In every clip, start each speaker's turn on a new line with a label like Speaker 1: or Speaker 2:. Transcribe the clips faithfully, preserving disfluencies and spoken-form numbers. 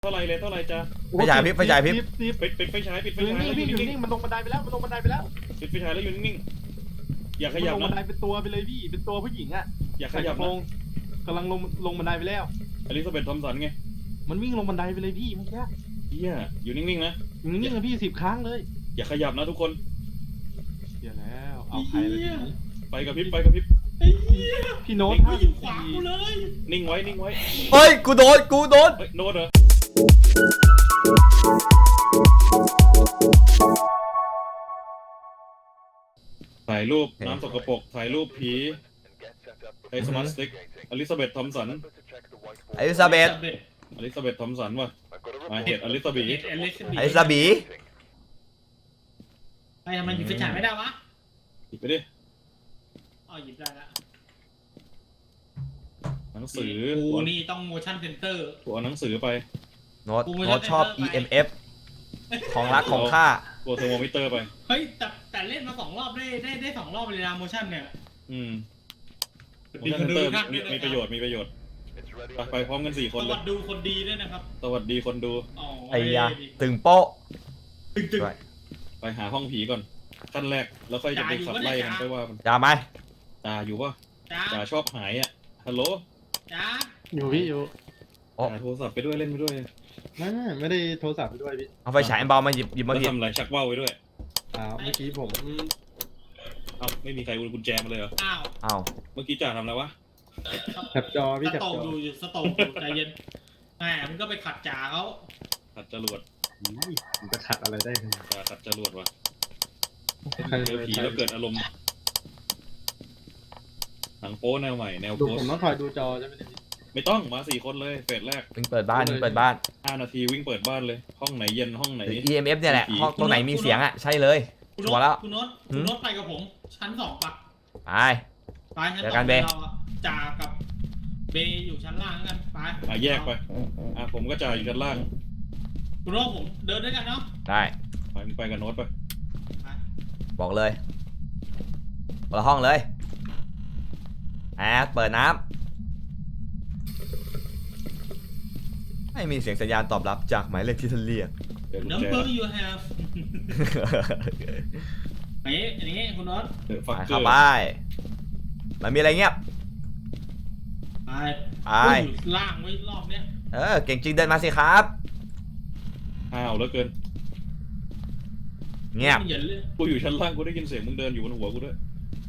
Speaker 1: เท่าไรเลยเท่าไรจ้า
Speaker 2: ไฟฉายพริบไฟฉายพริบ
Speaker 1: ปิดปิดไฟฉายปิดไฟ
Speaker 3: อยู่
Speaker 1: ฉาย
Speaker 3: นิ่ง
Speaker 1: แล้วอ
Speaker 3: พี่
Speaker 1: ยู่
Speaker 3: อยู่
Speaker 1: นิ่
Speaker 3: นิ่
Speaker 1: ง
Speaker 3: งมันลงบันไดไปแล้วมันลงบันไดไปแล้ว
Speaker 1: ๆปิดไฟฉายแล้วอยู่นิ่งๆอย่าขยับ
Speaker 3: มันลงบันได
Speaker 1: นะ
Speaker 3: เป็นตัวไปเลยพี่เป็นตัวผู้หญิงอ่ะ
Speaker 1: อย่าข
Speaker 3: ใส่ก
Speaker 1: ยับ
Speaker 3: ระโปร
Speaker 1: นะ
Speaker 3: งกำลังลงลงบันไดไปแล้ว
Speaker 1: อลิซาเบธทอมสันไง
Speaker 3: มันวิ่งลงบันไดไปเลยพี่เมื่อกี้
Speaker 1: เฮียอยู่นิ่งๆนะ
Speaker 3: อยู่นิ่งๆนะพี่สิบครั้งเลย
Speaker 1: อย่าขยับนะทุกคน
Speaker 3: เดี๋ยวแล้วเอาใครเลยทีนี้
Speaker 1: ไปกับพริบไปกับพริบ
Speaker 3: พี่โน้ต
Speaker 1: นิ่ง
Speaker 3: ห้า
Speaker 1: อยู่
Speaker 3: สี่
Speaker 1: นิ่งไว้นิ่งไว้
Speaker 2: เฮ้ยกูโดนกูโดน
Speaker 1: เฮ้ยโน้ตเหรอถ่ายรูปน้ำสกปรกถ่ายรูปผีไอ้สมาร์ทสติ๊กอลิซาเบธทอมสัน
Speaker 2: อลิซาเบธ
Speaker 1: อลิซาเบธทอมสันว่ะมาเหตุอลิซาเบธ
Speaker 4: เอลิส
Speaker 2: อลิซาบี
Speaker 4: ไปทำไมหยิบไฟฉายไม่ได้วะ
Speaker 1: หยิบไปดิ
Speaker 4: อ๋อหยิบได้ละ
Speaker 1: หนังสือ
Speaker 4: กูนี่ต้อง motion center
Speaker 1: ตัวหนังสือไป
Speaker 2: โน้ตโน้ตชอบ อี เอ็ม เอฟ ของรักของข้า
Speaker 1: ตัวเทอร์โมมิเตอร์ไป
Speaker 4: เฮ้ยแต่แต่เล่นมาสองรอบได้ได้ได้สองรอบเลยนะ motion เนี่ย
Speaker 1: อืม
Speaker 4: ดี
Speaker 1: motion
Speaker 4: คนดู
Speaker 1: center
Speaker 4: ครับ
Speaker 1: มีมีประโยชน์มีประโยชน์ไปไปพร้อมกันสี่ค
Speaker 4: ส
Speaker 1: นเล
Speaker 4: วั
Speaker 1: ย
Speaker 4: สดีคนดีด้วยนะครับ
Speaker 1: สวัสดีคนดู
Speaker 4: อ๋อ
Speaker 2: ไอ้ยาตึงโป๊ะ
Speaker 4: ตึงตึง
Speaker 2: ด้วย
Speaker 1: ไปหาห้องผีก่อนขั้นแรกแล้วค่อยจะไปขับไล่กันไปว่ามัน
Speaker 2: อย่าไหม
Speaker 1: จ่าอยู่ป่ะ
Speaker 4: จ้า
Speaker 1: จ่าชอบหายอ่ะฮัลโหล
Speaker 4: จ้า
Speaker 3: อยู่พี่อยู่
Speaker 1: จ่าโทรศัพท์ไปด้วยเล่นไปด้วย
Speaker 3: ไม่ไม่ไม่ได้โทรศัพท์ไปด้วยพี่
Speaker 2: เอาไฟฉายอันเบามาหยิบหยิบ
Speaker 1: แล้
Speaker 2: มาว หยิบ
Speaker 1: ทำอะไรชักว่าวไปด้วย
Speaker 3: อ่าเมื่อกี้ผม
Speaker 1: เอ้าไม่มีใครกุญแจมาเลยเหรอ
Speaker 4: อ้าว
Speaker 2: อ้าว
Speaker 1: เมื่อกี้จ่าทำอะไรวะ
Speaker 3: แคปจอพี่
Speaker 4: ส
Speaker 3: แคป
Speaker 4: โต
Speaker 3: จ
Speaker 4: ก
Speaker 3: อ
Speaker 4: อยู่อยู่สโตกอยู่ใจเย็นแหมมันก็ไปขัดจ่าเขา
Speaker 1: ขัดจรวด
Speaker 3: ผมจะขัดอะไรได้ขนาด
Speaker 1: จ่าขัดจรวดวะ
Speaker 3: ใคร
Speaker 1: เจอผีแล้วเกิดอารมณ์หนังโป๊แนวใหม่แนว
Speaker 3: ดู
Speaker 1: โพส
Speaker 3: ผมต้องคอยดูจอใช่ไหมเนี่ยพี่
Speaker 1: ไม่ต้องมาสี่คนเลยเฟสแรก
Speaker 2: วิ่งเปิดบ้านวิ่งเปิดบ้าน
Speaker 1: ห้านาทีวิ่งเปิดบ้านเลย ห้องไหนเย็นห้องไหน
Speaker 2: หรือ อี เอ็ม เอฟ เนี่ยแหละ
Speaker 1: ผี
Speaker 2: ห้องตรงไหนมีเสียงอ่ะใช่เลย
Speaker 4: คุณ
Speaker 2: ชัวร์แล้ว
Speaker 4: คุณโน้ตคุณโน้ตไปกับผม ชั้นสองปะ
Speaker 2: ไป
Speaker 4: ไปชั้น
Speaker 2: เดี๋
Speaker 4: ส
Speaker 2: ยว
Speaker 4: อ
Speaker 2: กั
Speaker 4: ง
Speaker 2: นเบ
Speaker 4: เราอะจ่ากับเบอยู่ชั้นล่างกันไป
Speaker 1: อ่ะแยกไปอ่ะผมก็จ่ายอยู่ชั้นล่าง
Speaker 4: คุณโน้ตผมเดินด้วยกันเนาะ
Speaker 2: ได้
Speaker 1: ไปมึงไปกับโน้ตไป
Speaker 4: ไป
Speaker 2: บอกเลยคนละห้องเลยแอดเปิดน้ำไม่มีเสียงสัญญาณตอบรับจากหมายเลขที่ท่านเรียก
Speaker 1: เดี๋ยวกุญ
Speaker 4: น้ำ
Speaker 1: แจ
Speaker 4: เบอร์ you have ไอ้อันนี้คุณโน็อต
Speaker 1: เดี๋ยวฟั
Speaker 2: ไป
Speaker 1: กเกอ
Speaker 2: เข้า
Speaker 1: ร์
Speaker 2: ไปมันมีอะไรเงียบ
Speaker 4: ไป
Speaker 2: ไป
Speaker 4: กูอยู่ล่างไว้รอบเนี้ย
Speaker 2: เออเก่งจริงเดินมาสิครับ
Speaker 1: อ้าวแล้วเกิน
Speaker 2: เงียบ
Speaker 4: มันเหยินเลย
Speaker 1: กูอยู่ชั้นล่างกูได้ยินเสียงมึงเดินอยู่บนหัวกูด้วย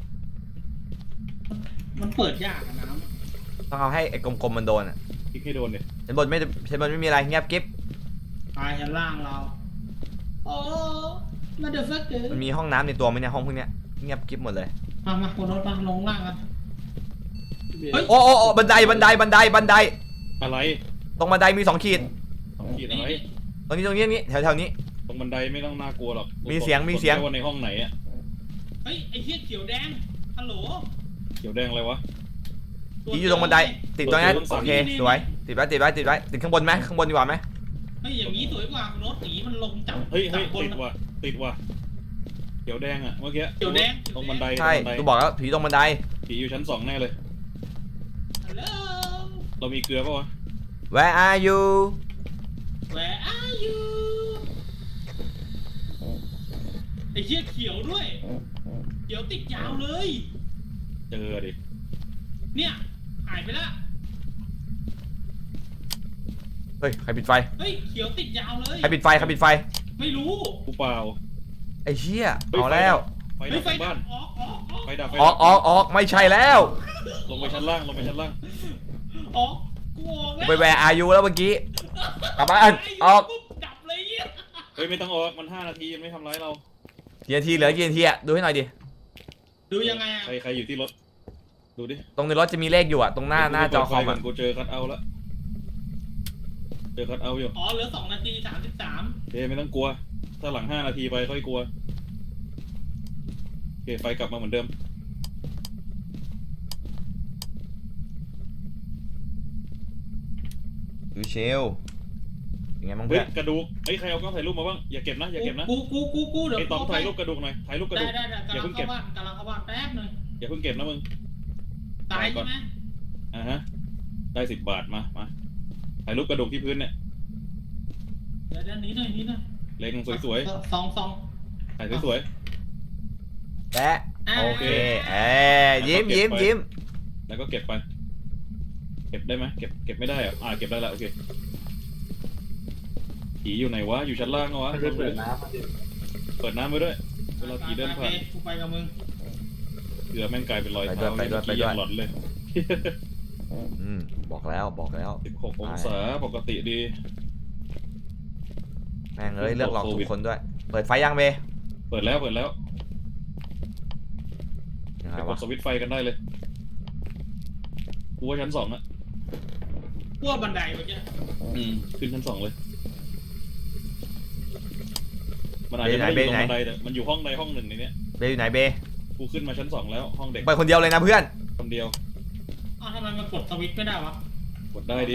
Speaker 4: มันเปิดยากอะน้
Speaker 2: ต้องเอาให้ไอ้กลมๆมันโดนอ่ะ
Speaker 1: คลิกให้โดนเนี่ย
Speaker 2: ชั้นบนไม่ชั้นบนไม่มีอะไรเงียบกิ๊บ
Speaker 4: ำไปชั้นล่างเราโอ้มาเดือดฟักเกอร์
Speaker 2: มันมีห้องน้ำในตัวไหมเนี่ยห้องพวกเนี้ยเงียบกิ๊บหมดเลย
Speaker 4: มามาคุณโน็อตมาลงล่างกัน เฮ้ย
Speaker 2: โอ้โอ้โอ้บันไดบันไดบันไดบันได
Speaker 1: อะไร
Speaker 2: ตรงบันไดมีสองขีด
Speaker 1: สองขีดอะไร
Speaker 2: ตรงนี้ตรงนี้ตรงนี้แถวแถวนี้
Speaker 1: ตรงบันไดไม่ต้องน่ากลัวหรอก
Speaker 2: มีเสียงมีเสียง
Speaker 1: กดได้ว่าในห้องไหนอะ
Speaker 4: เฮ้ยไอ้เหี้ยเขียวแดงฮัลโหล
Speaker 1: เขียวแดงอะไรวะ
Speaker 2: ผีอยู่ตรงบันไดติดตรงนั้น
Speaker 1: ตัวเดียว
Speaker 2: โอเคสวยติดไว้ติดไว้ติดไว้ติดข้างบนไหมข้างบนดีกว่าไหม
Speaker 4: เฮ้ยอย่างนี้สวยกว่าคุณโน็อตอย่างนี้มันลงจับ
Speaker 1: เฮ้ย
Speaker 4: จั
Speaker 1: เฮ้ย
Speaker 4: บบน
Speaker 1: ติดว่ะติดว่ะเขียวแดงอะเมื่อกี้
Speaker 4: เขียวแดง
Speaker 1: ตรงบันได
Speaker 2: ใช่
Speaker 1: ตรงบันได
Speaker 2: กูบอกแล้วผีตรงบันได
Speaker 1: ผีอยู่ชั้นสองแน่เลย
Speaker 4: ฮัลโหล
Speaker 1: เรามีเกลือปะวะ
Speaker 2: Where are you
Speaker 4: Where are you ไอ้เหี้ยเขียวด้วยเขียวติดยาวเลย
Speaker 1: เจอดิ
Speaker 4: เนี่ยหายไปละ
Speaker 2: เฮ้ยใครปิดไฟ
Speaker 4: เฮ้ยเขียวติดยาวเลย
Speaker 2: ใครปิดไฟใครปิดไฟ
Speaker 4: ไม่รู้
Speaker 1: กูเปล่า
Speaker 2: ไอ้เหี้ย
Speaker 1: เฮ้ย
Speaker 2: เอาแล้ว
Speaker 1: ไฟ
Speaker 4: เฮ้
Speaker 1: ดั
Speaker 4: ย
Speaker 1: บ
Speaker 4: ไฟ
Speaker 1: ทั้ง
Speaker 4: ดั
Speaker 1: บ้าน
Speaker 4: บออกออกออก
Speaker 1: ไฟดับไฟ
Speaker 2: อ
Speaker 1: ดั
Speaker 2: อกออกออกไม่ใช่แล้ว
Speaker 1: ลงไปชั้นล่างลงไปชั้นล่าง
Speaker 4: ออกกูออกแล้ว
Speaker 2: ไป Where are you แล้วเมื่อกี้กลับบ้านออก
Speaker 4: ปุ๊บดับเลยเหี้ย
Speaker 1: เฮ้ยไม่ต้องออกมันห้านาทีมันไม่ทำร้ายเรา
Speaker 2: กี่นาทีเหลือกี่นาทีอะดูให้หน่อยดิ
Speaker 4: ดูยังไงอะ
Speaker 1: ใครใครอยู่ที่รถดูดิ
Speaker 2: ตรงในรถจะมีเลขอยู่อะตรงหน้าหน้าจอคอม
Speaker 1: ก่
Speaker 2: อะ
Speaker 1: นกูเจอคัทเอาท์แล้วเจอคัทเอาท์อยู่
Speaker 4: อ๋อเหลือสองนาทีสามสิบสาม
Speaker 1: เฮ้ยไม่ต้องกลัว ถ้าหลังห้านาทีไปค่อยกลัวโอเคไฟกลับมาเหมือนเดิม
Speaker 2: ดูเชลยังไงบ้าง
Speaker 1: เฮ้
Speaker 2: เพื่
Speaker 1: ย
Speaker 2: อน
Speaker 1: กระดูกเฮ้ยใครเอากล้องถ่ายรูปมาบ้างอย่าเก็บนะอย่าเก็บนะ
Speaker 4: กูกูกูกูเดี๋ยว
Speaker 1: ไอ้ต๋อม
Speaker 4: เข้ไป
Speaker 1: ถ่ายรูปกระดูกหน่อยถ่ายรูปกระ
Speaker 4: ได้
Speaker 1: ดูก
Speaker 4: ได้ได้
Speaker 1: อย่าก
Speaker 4: ำลั
Speaker 1: เพิ่
Speaker 4: ง
Speaker 1: งเก็
Speaker 4: เข้า
Speaker 1: บ
Speaker 4: บ้านกำลังเข้าบ้านแป๊บหนึง
Speaker 1: อย่าเพิ่งเก็บนะมึง
Speaker 4: ตายใช่ไหม
Speaker 1: อ่าฮะได้สิบบาทมามาถ่ายรูปกระดูกที่พื้นเนี่ย
Speaker 4: ยวเดี๋ยวนี้หน่อยนี้หน่อย
Speaker 1: เล็งสวย
Speaker 4: สองสอง
Speaker 1: ๆถ่ายสวย
Speaker 2: แปะโอเคเอ้ยยิ้มยิ้มยิ้ม
Speaker 1: ๆแล้วก็เก็บไป เก็บได้ไหมเก็บเก็บไม่ได้เหรออ่าเก็บได้แล้วโอเคผีอยู่ไหนวะอยู่ชั้นล่างเหรอวะ
Speaker 3: ไม่ได้เปิดน้ำมาดิ
Speaker 1: เปิดน้ำไว้ด้วยเวลาผีเดินผ่าน
Speaker 4: กูไปกับมึง
Speaker 1: เผื่อแม่งกลายเป็นรอยเท้าเมื่อกี้ยังหลอนเลย
Speaker 2: อืมบอกแล้วบอกแล้ว
Speaker 1: สิบหกองศาปกติดี
Speaker 2: แม่งเอ้ยเลือกหลอกทุกคนด้วยเปิดไฟยังเบ
Speaker 1: เปิดแล้วเปิดแล้ว
Speaker 2: ยังไง
Speaker 1: ไปก
Speaker 2: วะ
Speaker 1: ดสวิตช์ไฟกันได้เลยกูว่าชั้นสองอะ
Speaker 4: พวกบันไดเมื่อกี้
Speaker 1: อืมขึ้นชั้นสองเลยมันอาจจะไม่ได้อยู่ตรงบันไดแต่มันอยู่ห้องใดห้องหนึ่งในเนี้ย
Speaker 2: เบอยู่ไหนเบ
Speaker 1: กูขึ้นมาชั้นสองแล้วห้องเด็ก
Speaker 2: ไปคนเดียวเลยนะเพื่อน
Speaker 1: คนเดียว
Speaker 4: อ้าวทำไมมันกดสวิตช์ไม่ได้วะ
Speaker 1: กดได้ดิ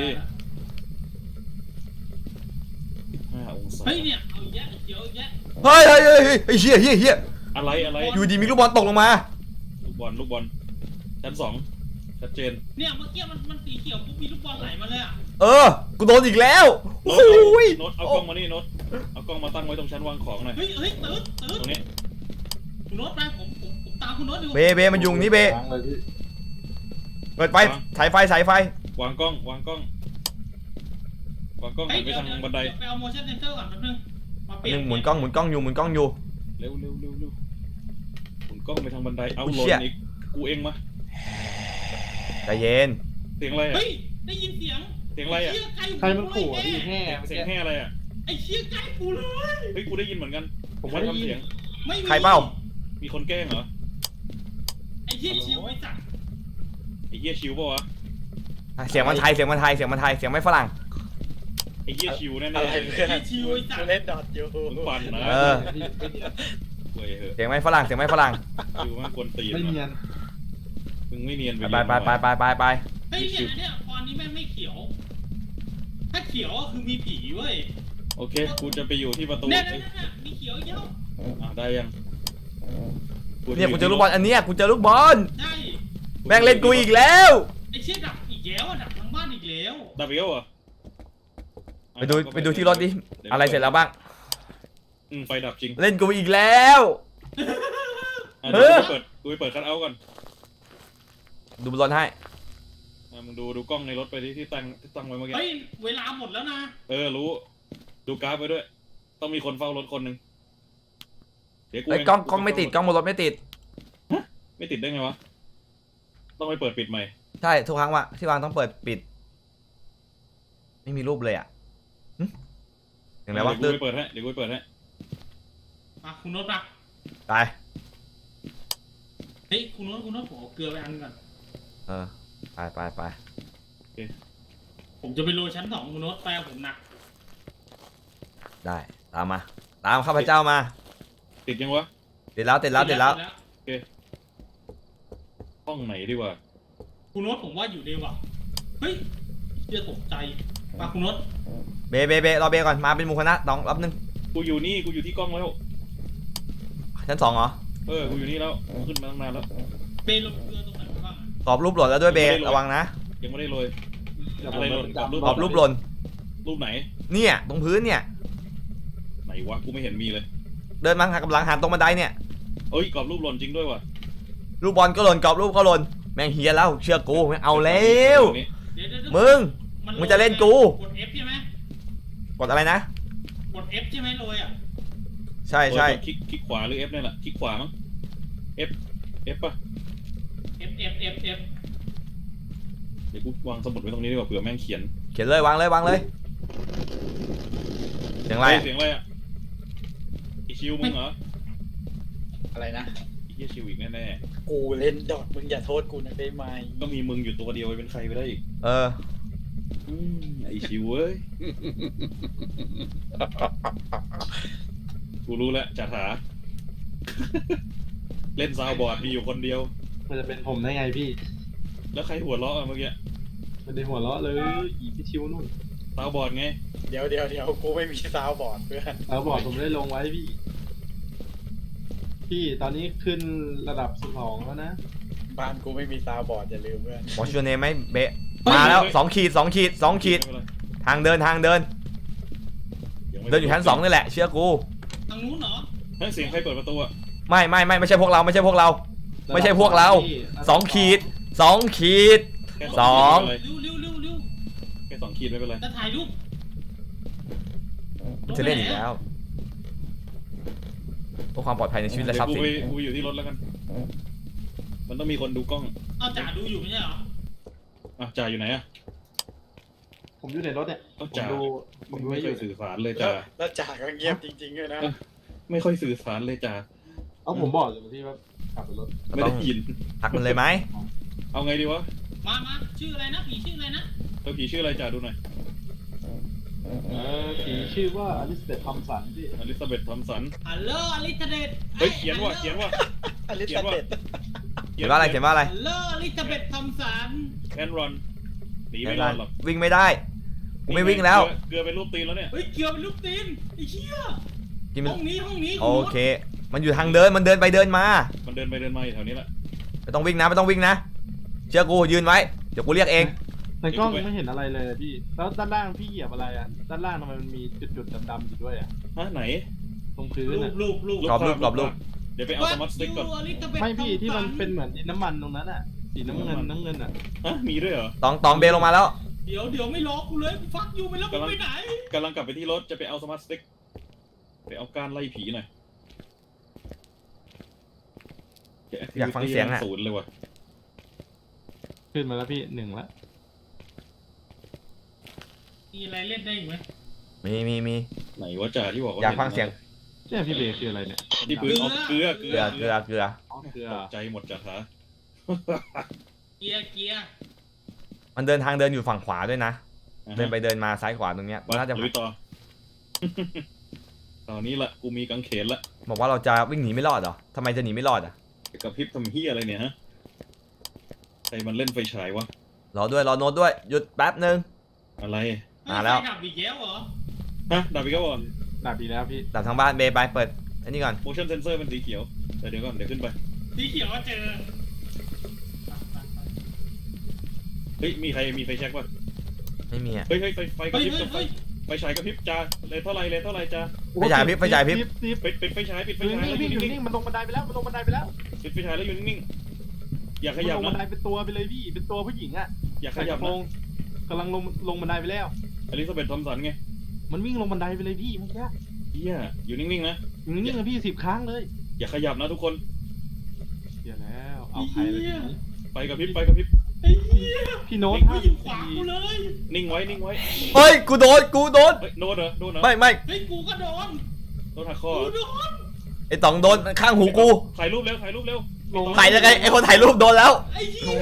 Speaker 1: ห้าองศา
Speaker 4: เฮ้ยเนี่ยเอาอีกแยะเขียวอีกแยะ
Speaker 2: เฮ้ยเฮ้ยเฮ้ยเฮ้ยเฮ้ยเฮียเฮียเฮีย
Speaker 1: อะไรอะไร
Speaker 2: อยู่ดีมีลูกบอลตกลงมา
Speaker 1: ลูกบอลลูกบอลชั้นสองชัดเจน
Speaker 4: เนี่ยเมื่อกี้มันมันสีเขียวปุ๊บมีลูกบอลไหลมาเลยอ่ะ
Speaker 2: เออกูโดนอีกแล้ว
Speaker 1: โน้
Speaker 2: โอ้
Speaker 1: ต
Speaker 2: ย
Speaker 1: โน้ตเอากล้องมานี่โน้ตเอากล้องมาตั้งไว้ตรงชั้นวางของหน่อย
Speaker 4: เฮ้ยเฮ้ยตื้อตื้อ
Speaker 1: ตรงนี้
Speaker 4: คุณโน้ตไปผมผมผมตามคุณโน้ตอยู่
Speaker 2: เบเบมันยุงนี่เบ
Speaker 3: ล้างเลยพี่
Speaker 2: เปิดไฟฉายไฟฉายไฟ
Speaker 1: วางกล้องวางกล้องวางกล้องหันไปทางบันได
Speaker 4: ไปเอา motion sensor ก่อนแป๊บนึงมาเป
Speaker 2: ห
Speaker 4: ลี่ยน
Speaker 2: นึ่งหมุนกล้องหมุนกล้องอยู่หมุนกล้องอยู่
Speaker 1: เร็วเร็วเร็วเร็วหมุนกล้องไปทางบันไดเอา
Speaker 2: อุ๊ย
Speaker 1: หล่
Speaker 2: เชี่ย
Speaker 1: นอีกกูเองมา
Speaker 2: ใจเย็น
Speaker 1: เสียงอะไรอ่ะ
Speaker 4: เฮ้ยได้ยินเสียง
Speaker 1: เสียงอะไรอ่ะ
Speaker 4: เชี่ยใกล้
Speaker 3: ใครมันขู่อ่ะพี่แห่
Speaker 1: เสียงแห่อะไรอ่ะ
Speaker 4: ไอ้เชี่ยใกล้กูเลย
Speaker 1: เฮ้ยกูได้ยินเหมือนกัน
Speaker 3: ผมไม่ได้
Speaker 1: ใครทำ
Speaker 3: ยิ
Speaker 1: เสี
Speaker 3: น
Speaker 1: ยง
Speaker 4: ไม่มี
Speaker 2: ใครเปล่า
Speaker 1: มีคนแกล้งเหรอ
Speaker 4: ไอ้เชี่ยชิวไอ้สัตว์
Speaker 1: ไอ้เหี้ยชิวปะวะ
Speaker 2: เสียงมันไทยเสียงมันไทยเสียงมันไทยเสียงไม่ฝรั่ง
Speaker 1: ไอ้เหี้ยชิวแน่
Speaker 5: อะไร
Speaker 1: ๆ
Speaker 5: เพื่อน
Speaker 4: ไอ้ชิวไอ้สัต
Speaker 5: กู
Speaker 4: ว์
Speaker 5: เล่นดอทอยู่
Speaker 1: มึงปั่นนะ
Speaker 2: เออ
Speaker 3: พี่ไม่เนียน
Speaker 1: เว้ยเหอะ
Speaker 2: เสียงไม่ฝรั่งเสียงไม่ฝรั่ง
Speaker 1: ชิวแม่งกวนตีน
Speaker 3: ไม่เนีย
Speaker 1: ว่ะ
Speaker 3: น
Speaker 1: มึงไม่เนียน
Speaker 2: ไป
Speaker 1: เรียน
Speaker 2: ไปไปไปไปไป
Speaker 4: เฮ้ยเนี่ยเนี่ยตอนนี้แม่งไม่เขียว ถ้าเขียวก็คือมีผีเว้ย
Speaker 1: โอเคกูจะไปอยู่ที่ประตู
Speaker 4: เนี่ย
Speaker 1: เอ้ย
Speaker 4: เนี่ยเนี่ยมีเขียวเยอะ
Speaker 1: อ่ะได้ยัง
Speaker 2: เนี่ยกูเจอลูกบอลอันเนี้ยกูเจอลูกบอล
Speaker 4: ได้
Speaker 2: แม่งเล่นกูอีกแล้ว
Speaker 4: ไอ้เชี่ยดับอีกแล้วอะดับทั้งบ้านอีกแล้ว
Speaker 1: ดับอีกแล้วเหรอ
Speaker 2: ไปดูไปดูที่รถดิอะไรเสร็จแล้วบ้าง
Speaker 1: อืมไฟดับจริง
Speaker 2: เล่นกูอีกแล้ว
Speaker 1: อ่ะ
Speaker 2: เอ
Speaker 1: เดี๋ยว
Speaker 2: อ
Speaker 1: กูไปเปิดกูไปเปิดคัทเอาท์ก่อน
Speaker 2: ดูบอลให้
Speaker 1: อ่ะมึงดูดูกล้องในรถไปที่ที่ตั้งที่ตั้งไว้เมื่อกี้
Speaker 4: เฮ้ยเวลาหมดแล้วนะ
Speaker 1: เออรู้ดูกราฟไปด้วย ต้องมีคนเฝ้ารถคนหนึ่งเดี๋ยวกู
Speaker 2: ไอ้ย
Speaker 1: เ
Speaker 2: กล้องกล้องไม่ติดกล้องบนรถไม่ติด
Speaker 1: ไม่ติดได้ไงวะต้องไปเปิดปิดใหม่
Speaker 2: ใช่ทุกครั้งว่าที่วางต้องเปิดปิด ไม่มีรูปเลยอ่ะหึอย่างไรวะ
Speaker 1: เดี๋
Speaker 2: ตื่
Speaker 1: ยวน กูไปเปิดให้เดี๋ยวกูไปเปิดให้
Speaker 4: มาคุณโน้ตมา
Speaker 2: ไป
Speaker 4: เฮ้ยคุณโน้ตคุณโน้ตผมเอาเกลือไปอันนึงก่อน
Speaker 2: เออไปไปไป
Speaker 4: ผมจะไปโรยชั้นสองคุณโน้ตไปกับผมนะ
Speaker 2: ได้ตามมาตามข้าพเจ้ามา
Speaker 1: ติดยังวะ
Speaker 2: ติดแล้วติดแล้วติดแล้ว
Speaker 1: ห้องไหนดีวะ
Speaker 4: คุณโน้ตผมว่าอยู่ดีว่ะเฮ้ยเชื่อตกใจมาคุณโน้ต
Speaker 2: เบเบเบรอเบก่อนมาเป็นหมูคณะน้องรับนึง
Speaker 1: กูอยู่นี่กูอยู่ที่กล้องแล้ว
Speaker 2: ชั้นสองเหรอ
Speaker 1: เออกูอยู่นี่แล้วขึ้นมาตั้งนานแล้ว
Speaker 4: เปย์ลงเกลือตรงไหนบ้างอะ
Speaker 2: กรอบรูปหล่นแล้วด้วยเบระวังนะ
Speaker 1: ยังไม่ได้โรย
Speaker 3: เดี๋ยว
Speaker 1: อะไร
Speaker 3: ผม
Speaker 1: หล่น
Speaker 3: จับ
Speaker 1: รูป
Speaker 2: กรอบรูปหล่น
Speaker 1: รูปไหน
Speaker 2: เนี่ยตรงพื้นเนี่ย
Speaker 1: ไหนวะกูไม่เห็นมีเลย
Speaker 2: เดินมาหากำลังหันตรงบันไดเนี่ย
Speaker 1: เอ้ยกรอบรูปหล่นจริงด้วยว่ะ
Speaker 2: ลูกบอลก็หล่นกรอบรูปก็หล่นแม่งเฮียแล้วเชื่อกูไม่เอาแล้ว
Speaker 1: นี่
Speaker 4: เดี๋ยวเดี๋ยวเดี๋ยว
Speaker 2: มึง
Speaker 4: น
Speaker 2: มึงจะเล่นกู
Speaker 4: กด F ใช่ไหม
Speaker 2: กดอะไรนะ
Speaker 4: กด F ใช่ไหมโรยอ่ะ
Speaker 2: ใช่ใช่
Speaker 1: เออกดคลิกคลิกขวาหรือ F เนี่ยแหละคลิกขวามั้ง F F ป่ะ
Speaker 4: F F F F
Speaker 1: เดี๋ยวกูวางสมุดไว้ตรงนี้ดีกว่าเผื่อแม่งเขียน
Speaker 2: เขียนเลยวางเลยวางเลยเสียงอะไร
Speaker 1: เฮ้ย
Speaker 2: อะ
Speaker 1: เสียงอะไรอ่ะไอชิวมึงเหรอ
Speaker 5: อะไรนะ
Speaker 1: ไอเหี้ยชิวอีกแน่
Speaker 5: กูเล่นดอทมึงอย่าโทษกูนะได้ไหม
Speaker 1: ๆก็มีมึงอยู่ตัวเดียวเป็นใครไปได้อีก
Speaker 2: เออ
Speaker 1: อืมไอชิวเว้ย กูรู้แล้วจ่าถา เล่นซาวบอร์ดมีอยู่คนเดียว
Speaker 3: มันจะเป็นผมได้ไงพี่
Speaker 1: แล้วใครหัวเราะอะเมื่อกี้
Speaker 3: มันได้หัวเราะเลยอีพี่ชิวนู่น
Speaker 1: ซาวบอร์ดไง
Speaker 5: เดี๋ยวเดี๋ยวเดี๋ยวกูไม่มีซาวบอร์ดเพื่อน
Speaker 3: แล้วบอกผมได้ลงไว้พี่ พี่ตอนนี้ขึ้นระดับสิบสองแล้วนะ
Speaker 5: บ้านกูไม่มีซาวบอร์ดอย่าลืมเพื่อน
Speaker 2: วอชยูเนมไหมเบะมาแล้วสองขีดสองขีดสองขีด
Speaker 1: ไม่เป็นไร
Speaker 2: ทางเดินทางเดิน
Speaker 1: ยังไม่
Speaker 2: เดินอยู่ชั้นสองนี่แหละเชื่อกู
Speaker 4: ทางนู้นเหรอ
Speaker 1: เฮ้ยเสียงใครเปิดประตูอะ
Speaker 2: ไม่ไม่ไม่ไม่ใช่พวกเราไม่ใช่พวกเรา ไม่ใช่พวกเราสองขีดสองขีด
Speaker 1: แค่
Speaker 2: สอง
Speaker 1: ขีดไม่เป็นไร
Speaker 4: เร็วเร็วเร็วเร็ว
Speaker 1: แค่สองขีดไม่เป็นไร
Speaker 4: จะถ่ายรูป
Speaker 2: มันจะเล่นอีกแล้วเพื่อความปลอดภัยในชีวิตและทรัพย์สิน
Speaker 1: เดี๋ยวกูไปกูไปอยู่ที่รถแล้วกัน มันต้องมีคนดูกล้อง
Speaker 4: เอาจ่าดูอยู่ไม่ใช่เหรอ
Speaker 1: อ่ะจ่าอยู่ไหนอะ
Speaker 3: ผมอยู่ในรถเนี่ย
Speaker 1: ก็
Speaker 3: ผม
Speaker 1: จ่า
Speaker 3: ดูผมดู
Speaker 1: ไม่
Speaker 3: ไว้อ
Speaker 1: ค่อยู่ ยสื่อสารเลยจ่า
Speaker 5: แล้วจ่าก็เงียบจริงๆเลยนะ
Speaker 1: ไม่ค่อยสื่อสารเลยจ่า
Speaker 3: เอาผมบอกอยู่ที่ว่าขับรถ
Speaker 1: ไม่ได้ยิน
Speaker 2: พักมันเลยไหม
Speaker 1: เอาไงดีวะ
Speaker 4: มามาชื่ออะไรนะผีชื่ออะไรนะ
Speaker 1: ตัวผีชื่ออะไรจ่าดูหน่อย
Speaker 3: เออผีชื่อว่าอลิสเบธทอมสันพี่
Speaker 1: อลิซาเบธทอมสัน
Speaker 4: ฮัลโหลอลิซาเบธ
Speaker 1: เฮ้ยเขียนว่าเขียนว่า
Speaker 5: อลิซาเบธ
Speaker 2: เขียนว่าอะไรเขียนว่าอะไร
Speaker 4: ฮัลโหลอลิซาเบธทอมสัน
Speaker 1: แอนรอนหนีไม่รอดหรอก
Speaker 2: วิ่งไม่ได้กูไม่วิ่งแล้ว
Speaker 1: เกลือเป็นรูปตีนแล้วเนี่ย
Speaker 4: เฮ้ยเกี่ยวเป็นลูกตีนไอ้เหี้ย
Speaker 2: กินมัน
Speaker 4: ห้องนี้ห้องนี้
Speaker 2: โอเค มันอยู่ทางเดินมันเดินไปเดินมา
Speaker 1: มันเดินไปเดินมาอยู่แถวนี้แหละ
Speaker 2: ไม่ต้องวิ่งนะไม่ต้องวิ่งนะเชื่อกูยืนไว้เดี๋ยวกูเรียกเอง
Speaker 3: ในกล้องไม่เห็นอะไรเลยพี่ แล้วด้านล่างพี่เหยียบอะไรอ่ะ ด้านล่างทำไมมันมีจุดๆดำๆอยู่ด้วยอ่ะ
Speaker 1: ฮะไหน
Speaker 3: ตรงพื้น
Speaker 4: รู
Speaker 3: อ่ะ
Speaker 4: ปรูปรูป
Speaker 2: กรอบรูปกรอบรูป
Speaker 1: เดี๋ยวไปเอาสมาร์ทสติ๊กก่อน
Speaker 4: อลิซาเบธ
Speaker 3: ไม่พี่ที่มัน
Speaker 4: ทอสั
Speaker 3: เป็นเหมือนดินน้ำมันตรงนั้นอ่ะ สีน้ำเงินน้ำเงินอ่ะ
Speaker 1: ฮะมีด้วยเหรอ
Speaker 2: ตองตองเบลลงมาแล้ว
Speaker 4: เดี๋ยวเดี๋ยวไม่รอกูเลยกูฟักอยู่ไปแล้วมึงไปไหน
Speaker 1: กำลังกลับไปที่รถจะไปเอาสมาร์ทสติ๊กไปเอาการไล่ผีหน่อย
Speaker 2: อยากฟังเสียงอะ
Speaker 1: ศูนย์เลยว่ะ
Speaker 3: ขึ้นมาแล้วพี่หนึ่งละ
Speaker 4: มีอะไรเล่นได้อีกไหม
Speaker 2: มีมีมี
Speaker 1: ไหนวะจ่าที่บอกว่า
Speaker 2: อยากฟังเสียง
Speaker 3: เนี่ยพี่เบย์คืออะไรเนี่ย
Speaker 1: ที่ปืนเอาเกลือเกลื
Speaker 2: เกลือเกลือเกลือ
Speaker 3: อ๋อเกลือ
Speaker 1: ตกใจหมดจ่าขา
Speaker 4: เกียร์เกียร์
Speaker 2: มันเดินทางเดินอยู่ฝั่งขวาด้วยนะเดินไปเดินมาซ้ายขวาตรงเนี้ย
Speaker 1: มา
Speaker 2: น่าจะ
Speaker 1: ลุยต่อ ตอนนี้ละกูมีกังเขนละ
Speaker 2: บอกว่าเราจะวิ่งหนีไม่รอดเหรอทำไมจะหนีไม่รอดอ่ะ
Speaker 1: กับพริบทำเฮียอะไรเนี่ยฮะใครมันเล่นไฟฉายวะ
Speaker 2: รอด้วยรอโน้ตด้วยหยุดแป๊บนึง
Speaker 1: อะไร
Speaker 2: มาแล้ว
Speaker 4: ไฟดับอีกแล้วเหรอ
Speaker 1: ฮะดับอีกแล้วก่อน
Speaker 3: ดับดีแล้วพี่
Speaker 2: ดับทางบ้านเบย์ไปเปิดอันนี้ก่อน
Speaker 1: motion sensor เป็นสีเขียวแต่เดี๋ยวก่อนเดี๋ยวขึ้นไป
Speaker 4: สีเขียวว่าเจอ
Speaker 1: เฮ้ยมีใครมีไฟแช็กป่ะ
Speaker 2: ไม่มีอ่ะ
Speaker 1: เฮ้ยเฮ้ยไฟไฟกระ
Speaker 4: เฮ้ย
Speaker 1: พริบ
Speaker 4: เฮ้ย
Speaker 1: ไฟ
Speaker 4: เฮ้ย
Speaker 1: ไฟฉายกระพริบจ้าเลยเท่าไรเลยเท่าไรจ้า
Speaker 2: ไฟฉายพริบไฟฉายพริบ
Speaker 3: ซิป
Speaker 1: ปิดปิดไฟฉายปิดไฟ
Speaker 3: อยู่
Speaker 1: ฉาย
Speaker 3: นิ่ง
Speaker 1: แล้วอ
Speaker 3: พี่
Speaker 1: ยู่
Speaker 3: อยู่
Speaker 1: นิ่ง
Speaker 3: นิ่งมันลงบันไดไปแล้วมันลงบันไดไปแล้ว
Speaker 1: ๆปิดไฟฉายแล้วอยู่นิ่งๆอย่าข
Speaker 3: มัน
Speaker 1: ยับ
Speaker 3: ลงบันได
Speaker 1: นะ
Speaker 3: เป็นตัวไปเลยพี่เป็นตัวผู้หญิงอ่ะ
Speaker 1: อย่าข
Speaker 3: ใส่ก
Speaker 1: ยับ
Speaker 3: ระโปร
Speaker 1: นะ
Speaker 3: งกำลังลงลงบันไดไปแล้ว
Speaker 1: อลิซาเบธทอมสันไง
Speaker 3: มันวิ่งลงบันไดไปเลยพี่เมื่อกี้
Speaker 1: เฮียอยู่นิ่งๆนะ
Speaker 3: อยู่นิ่งๆนะพี่สิบครั้งเลย
Speaker 1: อย่าขยับนะทุกคน
Speaker 3: เดี๋ยวแล้วเอาใครเลยทีนี้
Speaker 1: ไฟกระพริบไฟกระพริบ
Speaker 4: ไอ้เหี้ย
Speaker 3: พี่โน้ต
Speaker 4: ไม่อยู่ขวางกูเลย
Speaker 1: นิ่งไว้นิ่งไว้
Speaker 2: เฮ้ยกูโดนกูโดน
Speaker 1: เฮ้ยโดนเหรอโดนเหรอ
Speaker 2: ไม่ไม่
Speaker 4: เฮ้ยกูก็โดน
Speaker 1: โดนหักคอ
Speaker 4: กูโดน
Speaker 2: ไอ้ต๋องโดนข้างหูกู
Speaker 1: ถ่ายรูปเร็วถ่ายรูปเร็ว
Speaker 3: ลง
Speaker 2: ถ่ายยังไงไอ้คนถ่ายรูปโดนแล้ว
Speaker 4: ไอ้เหี้ย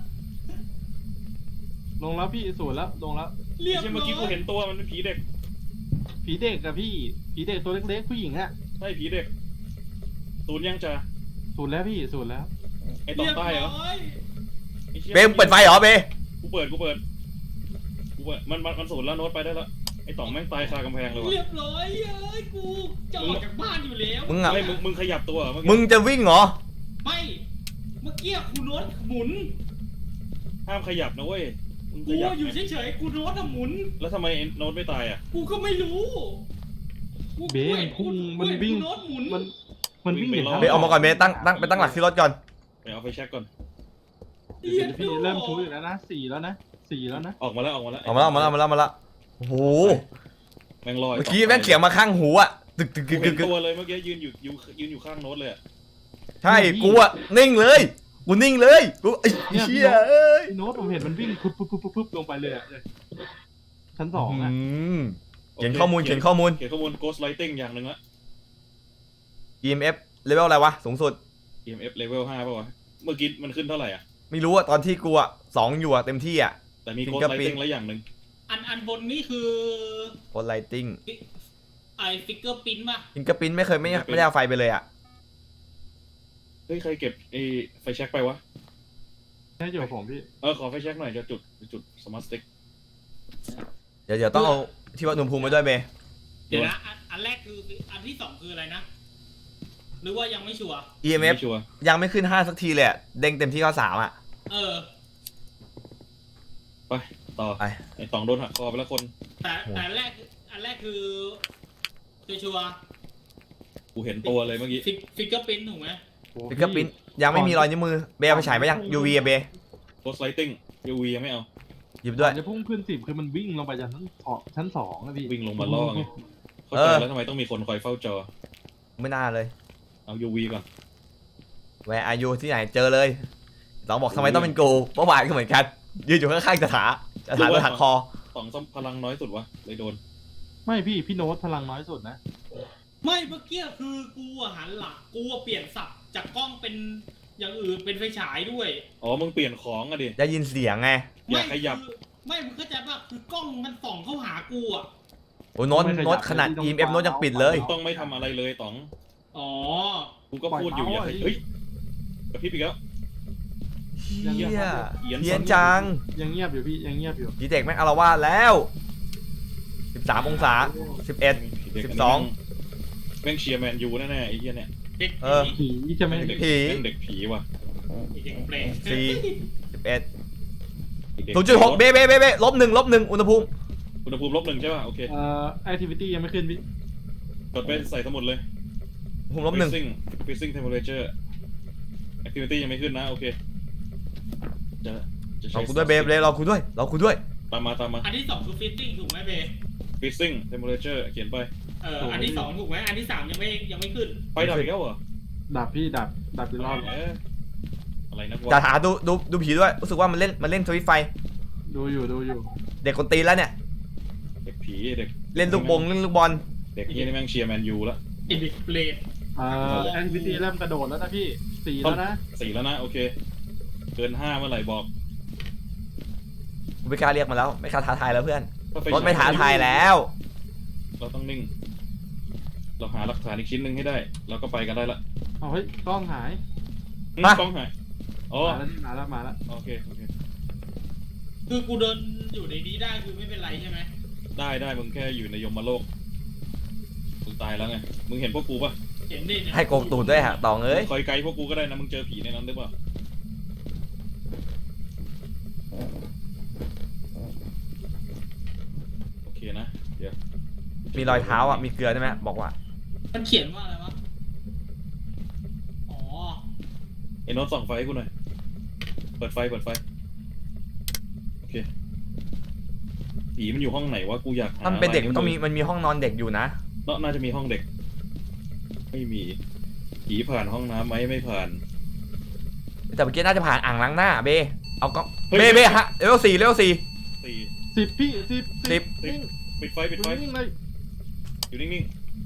Speaker 3: ลงแล้วพี่สูนแล้วลงแล้ว
Speaker 4: เรียบ
Speaker 1: ใช่
Speaker 4: ร้
Speaker 1: เมื่อกี้กู
Speaker 4: อย
Speaker 1: เห็นตัวมันเป็นผีเด็ก
Speaker 3: ผีเด็กอะพี่ผีเด็กตัวเล็กๆผู้หญิงอะ
Speaker 1: ใช่ผีเด็กศูนย์ยังจ้า
Speaker 3: สูนแล้วพี่สูนแล้ว
Speaker 1: ไอ้ตองใต้เหรอ
Speaker 4: เรียบร้อย
Speaker 1: ไอ้ชี่ย
Speaker 2: เบมเปิดไฟเหรอเบ
Speaker 1: กูเปิดกูเปิดกูเปิดมันมันมันศูนย์แล้วโน้ตไปได้แล้วไอ้ต๋องแม่งตายคากำแพงเลยว่ะ
Speaker 4: เรียบร้อยเอ้ยกูจะออกจากบ้านอยู่แล้ว
Speaker 2: มึงอ่ะ
Speaker 1: ไม่มึงมึงขยับตัวเหรอเมื่อกี้
Speaker 2: มึงจะวิ่งเหรอ
Speaker 4: ไม่เมื่อกี้กูโน้ตหมุน
Speaker 1: ห้ามขยับนะเว้ยมึงข
Speaker 4: กู
Speaker 1: ยับ
Speaker 4: อยู่
Speaker 1: ไง
Speaker 4: เฉยๆกูโน้ตอะหมุน
Speaker 1: แล้วทำไมไอ้โน้ตไม่ตายอ่ะ
Speaker 4: กูก็ไม่รู้กู
Speaker 3: เบนพุ่งมันวิ่ง
Speaker 4: กูโน้ตหมุน
Speaker 3: มันมันวิ่ง
Speaker 1: วิ่งไป
Speaker 3: ย่ง
Speaker 2: เบออกมาก่อนเบตั้งตั้งไปตั้งหลักที่รถก่อน
Speaker 1: ไปเอาไฟแช็กก่อน
Speaker 3: เดี๋ยวพี่เริ่มชูอยู่แล้วนะสี่แล้วนะสี่แล้วนะ
Speaker 1: ออกมาแล้วออกมาแล้ว
Speaker 2: ออกมาแล้วออกมาแล้วออกมาแล้วออกมาแล้วโอ้โห
Speaker 1: แม่งลอย
Speaker 2: เมื่อกี้แม่งเสียงมาข้างหูอ่ะตึกตึก
Speaker 1: กู
Speaker 2: ตึกตึ
Speaker 1: เห็
Speaker 2: ก
Speaker 1: น
Speaker 2: ตึก
Speaker 1: ตัวเลยเมื่อกี้ยืนอยู่ยืนยืนอยู่ข้างโน้ตเลยอะ
Speaker 2: ใช่กูอ่ะนิ่งเลยกูนิ่งเลยกูไอ้เชี่ยเอ้ย
Speaker 3: พี่โน้ตผมเห็นมันวิ่งปุ๊บปุ๊บปุ๊บปุ๊บลงไปเลยอะชั้นสองอะ
Speaker 2: อืมเขียนข้อมูลเขียนข้อมูล
Speaker 1: เขียนข้อมูล ghost lighting อย่างหนึ่งละ
Speaker 2: อี เอ็ม เอฟ เลเวลอะไรวะสูงสุด
Speaker 1: อี เอ็ม เอฟ level ห้าป่าวะเมื่อกี้มันขึ้นเท่าไหร่อ่ะ
Speaker 2: ไม่รู้อะตอนที่กูอะสองอยู่อะเต็มที่อะ
Speaker 1: แต่มี ghost
Speaker 2: Fingerprint
Speaker 1: lighting แล้วอย่างหนึ่ง
Speaker 4: อันอันบนนี่คือ
Speaker 2: โคไลติ้ง
Speaker 4: ไอฟิกเกอร์ปิ้นป่ะ
Speaker 2: ฟิงเกอร์ปิ้นไม่เคยไม่ไม่ได้เอาไฟไปเลยอะ
Speaker 1: เฮ้ยใครเก็บไอ้ไฟแช็กไปวะ
Speaker 3: แค่อยู่กับผมพี่
Speaker 1: เออขอไฟแช็กหน่อยจะจุดจุดสมาร์ทสติ๊ก
Speaker 2: เดี๋ยวเดี๋ยวต้องเอาที่วัดอุณหภูมิมาด้วยเบ
Speaker 4: เดี๋ยวนะอันอันแรกคืออันที่สองคืออะไรนะ หรือว่ายังไม่ชัวร์
Speaker 2: อี เอ็ม เอฟ
Speaker 1: ไม่ชัวร์
Speaker 2: ยังไม่ขึ้นห้าสักทีเลยอะเด้งเต็มที่ก็สามอะ
Speaker 4: เออ
Speaker 1: ไปต่อ
Speaker 2: ไป
Speaker 1: ไอ้ต๋องโดนหักคอไปแล้วคน
Speaker 4: แต่แต่อันแรกอันแรกคือชัวร์
Speaker 1: กูเห็นตัวเลยเมื่อกี้
Speaker 4: ฟิกฟิกเกอร์ปิ้นถูกไหม
Speaker 3: โอ้
Speaker 2: ฟิกเกอร์พิ้นยังไม่มีรอยนิ้วมือเบย์เอาไปฉายไปยัง ยู วี อะเบย์
Speaker 1: โพสไลติ้งยูวียังไม่เอา
Speaker 2: หยิบ
Speaker 3: ก่
Speaker 2: ด้
Speaker 3: อ
Speaker 2: วย
Speaker 3: นจะพุ่งขึ้นสิบคือมันวิ่งลงไปจากชั้นสองชั้นสองอะพี่
Speaker 1: วิ่งลงมาล่อไงเข้า
Speaker 2: เอ
Speaker 1: ใจ
Speaker 2: อ
Speaker 1: แล้วทำไมต้องมีคนคอยเฝ้าจอ
Speaker 2: ไม่น่าเลย
Speaker 1: เอายูวีก่อน
Speaker 2: แวร์อายุที่ไหนเจอเลยสองบอกทำไมต้องเป็นกูเมื่อวานก็เหมือนกันยืนอยู่ข้างๆสถาสถาโดนหักคอ
Speaker 1: สองซ้ำพลังน้อยสุดวะเลยโดน
Speaker 3: ไม่พี่พี่โน้ตพลังน้อยสุดนะ
Speaker 4: ไม่เมื่อกี้คือกูอะหันหลังกูอะเปลี่ยนสับจากกล้องเป็นอย่างอื่นเป็นไฟฉายด้วย
Speaker 1: อ๋อมึงเปลี่ยนของอะดิ
Speaker 2: ได้ยินเสียงไง
Speaker 1: อย่าขยับ
Speaker 4: ไม่คือไม่มึงเข้าใจป่ะคือกล้องมันส่องเข้าหากูอ่ะ
Speaker 2: โอ้ยโน้ต
Speaker 3: ไม่ขยับ
Speaker 2: โน้ตขนาด
Speaker 3: ไม่ต้อง
Speaker 2: อี เอ็ม เอฟ โน้ตยังปิดเลย
Speaker 1: ต้องไม่ทำอะไรเลยต๋อง
Speaker 4: อ๋อ
Speaker 1: กูก็พูดอยู่อย่าขยับเฮ้ยกระพริบอีกแล้ว
Speaker 2: เฮีย
Speaker 1: เหี้ยน
Speaker 2: เฮียนจัง
Speaker 3: ยังเงียบอยู่พี่ยังเงียบอยู่
Speaker 2: ดีเด็กแม่งอารวาสแล้วสิบสามองศาสิบเอ็ด
Speaker 1: เด็ก
Speaker 2: สิบ
Speaker 1: นนี้
Speaker 2: สอง
Speaker 1: แม่งเชียร์แมนยูแน่ๆไอ้เหี้ยเนี่ย
Speaker 4: เด็ก
Speaker 2: เออ
Speaker 4: ผี
Speaker 3: ผีใช่ไหม
Speaker 1: แม่งเด็ก
Speaker 2: ผี
Speaker 1: แม่งเด็กผีว่ะ
Speaker 4: เด็กเปรต
Speaker 2: สี่ สิบเอ็ด
Speaker 1: เด็ก
Speaker 2: ศูนย์จุดหกเบเบเบเบลบหนึ่งลบหนึ่งอุณหภูมิ
Speaker 1: อุณหภูมิลบหนึ่งใช่ป่ะโอเค
Speaker 3: เอ่อแอคทิวิตี้ยังไม่ขึ้นพี่
Speaker 1: กดไปใส่สมุดเลย
Speaker 2: อุณหภูมิลบหนึ่ง
Speaker 1: freezing freezing temperature activity ยังไม่ขึ้นนะโอเคจะจะใช้
Speaker 2: เราคุด้วยเบเบเราคุด้วยเราคุด้วย
Speaker 1: ตามมาตามมา
Speaker 4: อันที่สองคือฟิตติ้งถูกไหมเบ
Speaker 1: freezing temperature เขียนไป
Speaker 4: เอออันที่สองถูกไหมอันที่สามยังไม่ยังไม่ขึ้น
Speaker 1: ไฟดับอีกแล้วเหรอ
Speaker 3: ดับพี่ดับดับอีกรอบ
Speaker 1: เอ๊ะอะไรนะ
Speaker 2: จะ
Speaker 1: วะ
Speaker 2: หาดูดูดูผีด้วยรู้สึกว่ามันเล่นมันเล่นสวิตช์ไฟ
Speaker 3: ดูอยู่ดูอยู่
Speaker 2: เด็กคนตีนแล้วเนี่ย
Speaker 1: เด็กผีเด็ก
Speaker 2: เล่นลูกบงเล่นลูกบอล
Speaker 1: เด็กนี่แม่งเชียร์แมนยูแล้ว
Speaker 4: ไอเด็กเปรต
Speaker 3: เอ่อแอคทิวิตี้เริ่มกระโดดแล้วนะพี่สี่แล้วนะ
Speaker 1: สี่แล้วนะโอเคเกินห้าเมื่อไหร่บอก
Speaker 2: กูไม่กล้าเรียกมาแล้วไม่กล้าท้าทายแล้วเพื่อน
Speaker 1: ถ้ฟ
Speaker 2: รถไม่ท้าทายแล้ว
Speaker 1: เราต้องนิ่ง เราหาหลักฐานอีกชิ้นหนึ่งให้ได้เราก็ไปกันได้ละ
Speaker 3: เอาเฮ้ยกล้องหาย
Speaker 1: อืม
Speaker 2: ฮะ
Speaker 1: กล้องหายอ๋อ
Speaker 3: มาแล้วนี่มาแล้วมาแล้ว
Speaker 1: โอเคโอเค
Speaker 4: คือกูเดินอยู่ในนี้ได้คือไม่เป็นไรใช่ไหม
Speaker 1: ได้ได้มึงแค่อยู่ในยมโลกมึงตายแล้วไงมึงเห็นพวกกูปะ
Speaker 4: เห็นดิเนี่ย
Speaker 2: ให้โกงตูดด้วยฮะตองเอ้ย
Speaker 1: คอยไกลพวกกูก็ได้นะมึงเจอผีในนั้นหรือเปล่าโอเคนะเดี๋ยว
Speaker 2: มีรอยเท้าอ่ะมีเกลือใช่ไหมบอกว่า
Speaker 4: มันเขียนว่าอะไรวะอ๋อ
Speaker 1: ไอ้โน้ตส่องไฟให้กูหน่อยเปิดไฟเปิดไฟโอเคผีมันอยู่ห้องไหนวะกูอยากหา
Speaker 2: ถ้ามันเป็นเด็ก
Speaker 1: ลาย
Speaker 2: มันต้องมีมันมีห้องนอนเด็กอยู่นะ
Speaker 1: เนอะน่าจะมีห้องเด็ก ไม่มีผีผ่านห้องน้ำไหมไม่ผ่าน
Speaker 2: แต่เมื่อกี้น่าจะผ่านอ่างล้างหน้าเบเอาก็
Speaker 1: เฮ้ย
Speaker 2: เบเบฮะเลเวลสี่เลเวลสี่
Speaker 1: สี่
Speaker 3: สิบพี่สิบ
Speaker 2: สิบ
Speaker 3: นิ่ง
Speaker 1: ปิดไฟปิดไฟ
Speaker 3: นิ่งเลย
Speaker 1: อยู่นิ่ง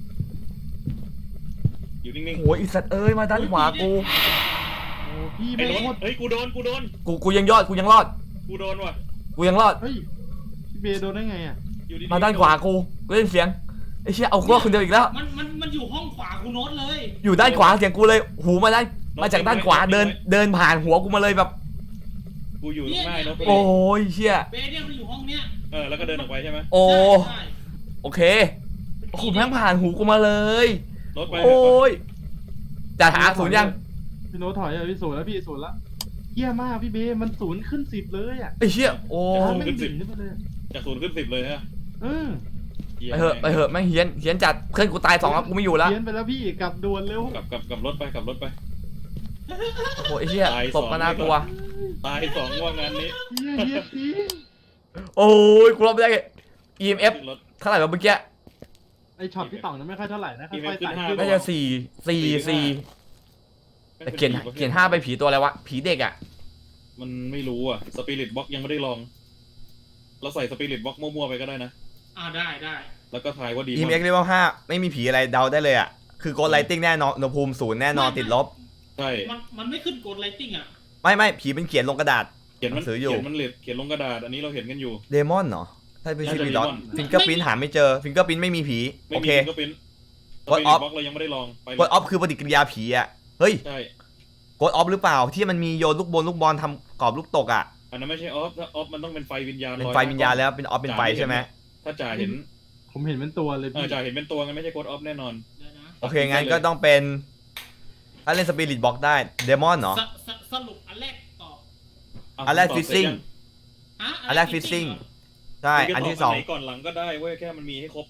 Speaker 1: ๆอยู่นิ่ง
Speaker 2: โอ้ยอีสัตว์เอ้ยมาด้านขวากู
Speaker 3: โอ้พี่
Speaker 1: ๆ
Speaker 3: ไม่
Speaker 1: ไอ้โน้
Speaker 3: โค
Speaker 1: ต
Speaker 3: ตร
Speaker 1: เฮ้ยกูโดนกูโดน
Speaker 2: กูกูยังยอดกูยังรอด
Speaker 1: กูโดนว่ะ
Speaker 2: กูยังรอด
Speaker 3: เฮ้ยพี่เบย์โดนได้ไงอ่ะ
Speaker 1: อยู่ดีๆ
Speaker 2: มาด้านขวากูกูได้ยินเสียงไอ้เชี่ยเอากูรอดคนเดียวอีกแล้ว
Speaker 4: มันมันมันอยู่ห้องขวากูโน้ตเลย
Speaker 2: อยู่ด้านขวาเสียงกูเลยหูมาด้านมาจากด้านขวาเดินเดินผ่านหัวกูมาเลยแบบ
Speaker 1: กูอยู่ตรงหน้าไอ้โน้ต
Speaker 2: โอ้ยเชี่ย
Speaker 4: เบเนี่ยมันอยู่ห้องเนี้ย
Speaker 1: เออแล้วก็เดินออกไปใช่ไหม
Speaker 2: โอ้
Speaker 4: ใช่
Speaker 2: โอเคโอ้โหแม่งผ่านหูกูมาเลย
Speaker 1: โน้ตไป
Speaker 2: โอ้ยจะหาศูนย์ยัง
Speaker 3: พี่โน้ตถอยอ่ะพี่ศูนย์แล้วพี่ศูนย์แล้วเยี่ยมากพี่เบย์มันศูนย์ขึ้นสิบเลยอ่ะ
Speaker 2: ไอ้เชี่ยโอ้
Speaker 3: ถ้าไม่ดิ่งขึ้นมาเลย
Speaker 1: จากศูนย์ขึ้นสิบเลยฮะ
Speaker 3: เออ
Speaker 2: ไปเหอะไปเหอะแม่งเฮี้ยนเฮี้ยนจัดเพื่อนกูตายสองแล้วกูไม่อยู่แล้ว
Speaker 3: เพี้ยนไปแล้วพี่กลับด่วนเร็ว
Speaker 1: กลับกลับกลับรถไปกลับรถไป
Speaker 2: โอ้โหไอ้เชี่ย
Speaker 1: ตาย
Speaker 2: ต
Speaker 1: สอบ ง
Speaker 2: ก็น่ากลัว
Speaker 1: ตายสองว่างานนี้
Speaker 3: เยี่ยเยี่ยจริง
Speaker 2: โอ้ยกูรอบไม่ได้ อี เอ็ม เอฟ
Speaker 1: ขึ้นรถ
Speaker 2: เท่าไหร่วะเมื่อกี้
Speaker 3: ไอช็อตพี่ต่องนั้นไม่ค่อยเท่าไหร่นะค่อยๆ
Speaker 1: ขึ้
Speaker 3: ไต่
Speaker 1: นห้า
Speaker 3: ขึ้น
Speaker 2: น่าจะสี่สี่สี่แต่เขียนเขียนห้าไปผีตัวอะไรวะผีเด็กอ่ะ
Speaker 1: มันไม่รู้อ่ะสปิริตบ็อกยังไม่ได้ลอง เราใส่สปิริตบ็อกมั่วๆไปก็ได้นะ
Speaker 4: อ่าได้ได้
Speaker 1: แล้วก็ทายว่าดี
Speaker 2: อี เอ็ม
Speaker 1: มั้
Speaker 2: เอฟ เลเวลห้าไม่มีผีอะไรเดาได้เลยอ่ะคือโกดไลติ้งแน่นอนอุณหภูมิศูนย์แน่นอนติดลบ
Speaker 1: ใช่
Speaker 4: มันมันไม่ขึ้นกดไลติ้งอ่ะ
Speaker 2: ไม่ไม่ผีเป็นเขียนลงกระดาษ
Speaker 1: เขียนมัน
Speaker 2: หนังสืออยู่
Speaker 1: เขียนมันเลดเขียนลงกระดาษ อันนี้เราเห็นกันอยู่
Speaker 2: เดมอนเหรอถ้าเป็นชื่อ
Speaker 1: น่าจะ
Speaker 2: มีดอท
Speaker 1: Demon
Speaker 2: ฟิงเกอร์พิ้นหาไม่เจอฟิงเกอร์พิ้นไม่มีผี
Speaker 1: ไม่
Speaker 2: โอ
Speaker 1: มี
Speaker 2: เค
Speaker 1: ก็เป็นส
Speaker 2: Ghost
Speaker 1: ปิริต
Speaker 2: of
Speaker 1: บ็อกเรายังไม่ได้ลองไปเล
Speaker 2: กดอย อฟคือปฏิกิริยาผีอ่ะเฮ้ย
Speaker 1: ใช่
Speaker 2: กดออฟหรือเปล่าที่มันมีโยนลูกบอลลูกบอลทำกรอบลูกตกอ่ะ
Speaker 1: อันนั้นไม่ใช่ออฟถ้าออฟมันต้องเป็นไฟวิญญาณ
Speaker 2: เป็น
Speaker 1: ลอย
Speaker 2: ไฟวิญญาณแล้วเป็นออฟเป็นไฟใช่ไหม
Speaker 1: ถ้าจ่าเห็น
Speaker 3: ผมเห็นเป็นตัวเลย
Speaker 1: เออ
Speaker 3: พี่
Speaker 1: จ่าเห็นเป็นตัวงั้นไม่ใช่โกดออฟแน่นอน
Speaker 4: เดี๋ยวนะ
Speaker 2: โอเคงั้นก็ต้องเป็นถ้าเล่นสปิริตบ็อกได้เดมอนเหรอ
Speaker 4: สสสรุปอันแรกตอบ
Speaker 1: ะ
Speaker 2: อันแรก
Speaker 1: ตบ
Speaker 2: ฟิซ
Speaker 1: เสร็จ
Speaker 2: ซิ่ง
Speaker 1: ยัง
Speaker 4: ฮะ
Speaker 2: อันแรกฟิซซิ่ง
Speaker 4: เหรอ
Speaker 2: ใช่
Speaker 1: มึงจะ
Speaker 2: อัน
Speaker 1: ตบ
Speaker 2: ที่สอง
Speaker 1: ไหนก่อนหลังก็ได้เว้ยแค่มันมีให้ครบอ่ะ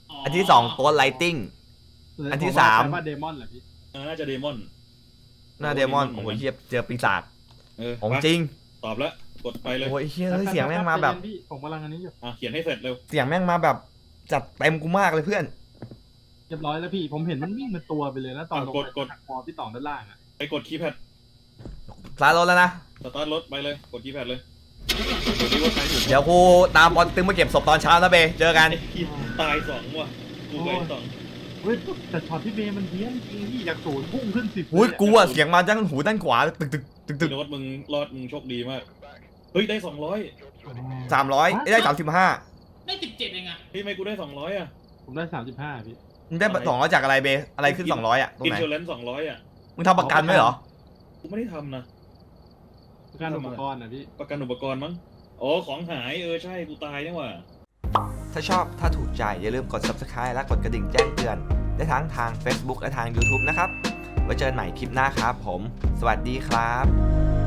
Speaker 2: อันที่สองโกดไลติง อันที่สาม
Speaker 3: ผว่าเดมอนเหรอพี่
Speaker 1: เออน่าจะเดมอน
Speaker 2: หน้าเดมอนโอ้โหเฮียเจอปีศาจ
Speaker 1: เออ
Speaker 2: ของ
Speaker 1: ไป
Speaker 2: จริง
Speaker 1: ตอบแล้วกดไปเลย
Speaker 2: โอ้ยเฮียเอ้ยเสียงแม่งมาแบบ
Speaker 3: ใจเย็นพี่ผมกำลังอันนี้อยู่
Speaker 1: อ่ะเขียนให้เสร็จเร็ว
Speaker 2: เสียงแม่งมาแบบจัดเต็มกูมากเลยเพื่อน
Speaker 3: เรียบร้อยแล้วพี่ ผมเห็นมันวิ่งเป็นตัวไปเลยนะตอนลงไปหักคอพี่ต่องด้านล่างอ่ะ
Speaker 1: ไปกดคีย์แพด
Speaker 2: สตาร์ทรถแล้วนะ
Speaker 1: สตาร์ทรถไปเลยกดคีย์แพดเลยกดที่ว่าใครอยู่
Speaker 2: เดี๋ยวกูตามบอลตึงมาเก็บศพตอนเช้านะเบเจอกัน
Speaker 1: ไอ้ที่ตายสองว่ะกูกับไอ้สอง
Speaker 3: เฮ้ยแต่ช็อตที่เบย์มันเพี้ยนจริงพี่จากศูนย์พุ่งขึ้นสิบ
Speaker 2: อุ้ยกูอะเสียงมาด้านหูด้านขวาตึกตึกตึกตึ
Speaker 1: พี่
Speaker 2: ก
Speaker 1: โน้ตมึงรอดมึงโชคดีมากเฮ้ยได้สองร้อย
Speaker 2: สามร้อยได้สามสิบห้า
Speaker 4: ได้สิบเจ็ดเองอะ
Speaker 1: พี่ไม่กูได้สองร้อยอ่ะ
Speaker 3: ผมได้สามสิบห้าพี่
Speaker 2: มึงได้สองร้อยจากอะไรเบอะไรขึ้นสองร้อยอะตรง
Speaker 1: อิน
Speaker 2: ไหน
Speaker 1: ชัวแรนซ์สองร้อยอ่ะ
Speaker 2: มึงทำประกันไหมเหรอ
Speaker 1: กูไม่ได้ทำนะ
Speaker 3: การอุปกรณ์นะพี่
Speaker 1: ประกันอุปกรณ์มั้งอ๋อของหายเออใช่กูตายนี่หว่า
Speaker 2: ถ้าชอบถ้าถูกใจอย่าลืมกด ซับสไครบ์ และกดกระดิ่งแจ้งเตือนได้ทั้งทาง เฟซบุ๊ก และทาง ยูทูบ นะครับไว้เจอกันใหม่คลิปหน้าครับผม สวัสดีครับ